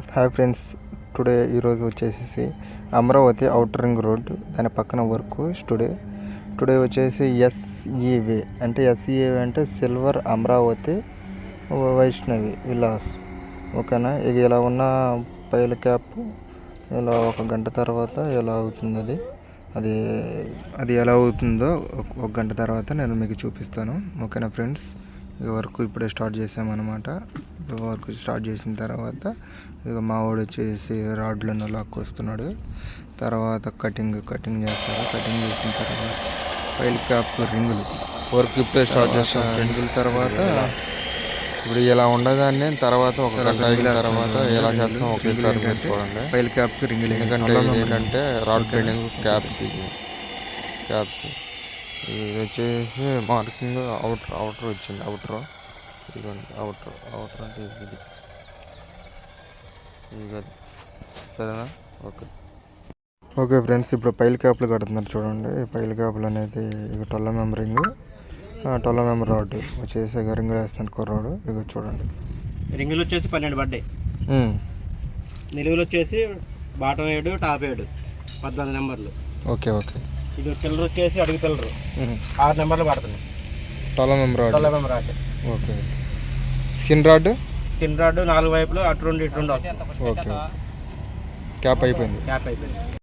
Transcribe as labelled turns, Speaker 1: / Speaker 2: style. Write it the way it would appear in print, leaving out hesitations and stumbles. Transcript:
Speaker 1: Hi friends, ఈరోజు వచ్చేసి Amaravati outer ring road దాని పక్కన వర్క్ టుడే వచ్చేసి ఎస్ఈవే అంటే సిల్వర్ అమరావతి వైష్ణవి విలాస్. ఓకేనా, ఇక ఇలా ఉన్న పైల క్యాప్ ఇలా 1 గంట తర్వాత ఎలా అవుతుంది అది ఎలా అవుతుందో 1 గంట తర్వాత నేను మీకు చూపిస్తాను. ఓకేనా ఫ్రెండ్స్, ఈ వర్క్ ఇప్పుడే స్టార్ట్ చేసామన్నమాట. వర్క్ స్టార్ట్ చేసిన తర్వాత ఇక మా వాడు వచ్చేసి రాడ్లను లాక్కొస్తున్నాడు. తర్వాత కటింగ్ చేస్తారు. కటింగ్ చేసిన తర్వాత పైల్ క్యాప్ రింగులు వర్క్ ఇప్పుడే స్టార్ట్ చేస్తాం. రింగుల తర్వాత ఇప్పుడు ఇలా ఉండదాన్ని తర్వాత 1 గంట అయిన తర్వాత ఎలా చేస్తాం ఒకేసారి మీరు చూడండి. పైల్ క్యాప్స్ రింగులు ఎందుకంటే ఏంటంటే రాడ్ బెండింగ్ క్యాప్స్ ఇది వచ్చేసి మార్కింగ్ అవుటర్ వచ్చింది. అవుటర్ అంటే ఇది సరేనా. ఓకే ఫ్రెండ్స్, ఇప్పుడు పైల్ క్యాప్లు కడుతున్నారు చూడండి. పైల్ క్యాప్లు అనేది ఇక 12 మెంబరింగ్ 12 మెంబర్ రాడ్ వచ్చేసి రింగులు వేస్తాను కుర్రాడు. ఇక చూడండి,
Speaker 2: రింగులు వచ్చేసి 12 పడ్డాయి. నిలువులు వచ్చేసి బాటం 7 టాప్ 7 14 నెంబర్లు.
Speaker 1: ఓకే.
Speaker 2: ఇది పిల్లర్ వచ్చేసి అడుగు పిల్లరు 6 నెంబర్లు పడుతున్నాయి.
Speaker 1: 12 member
Speaker 2: rod.
Speaker 1: Okay. Skin rod
Speaker 2: 4 వైపులు అటు 2 ఇటు 2 వస్తుంది.
Speaker 1: ఓకే. క్యాప్ అయిపోయింది.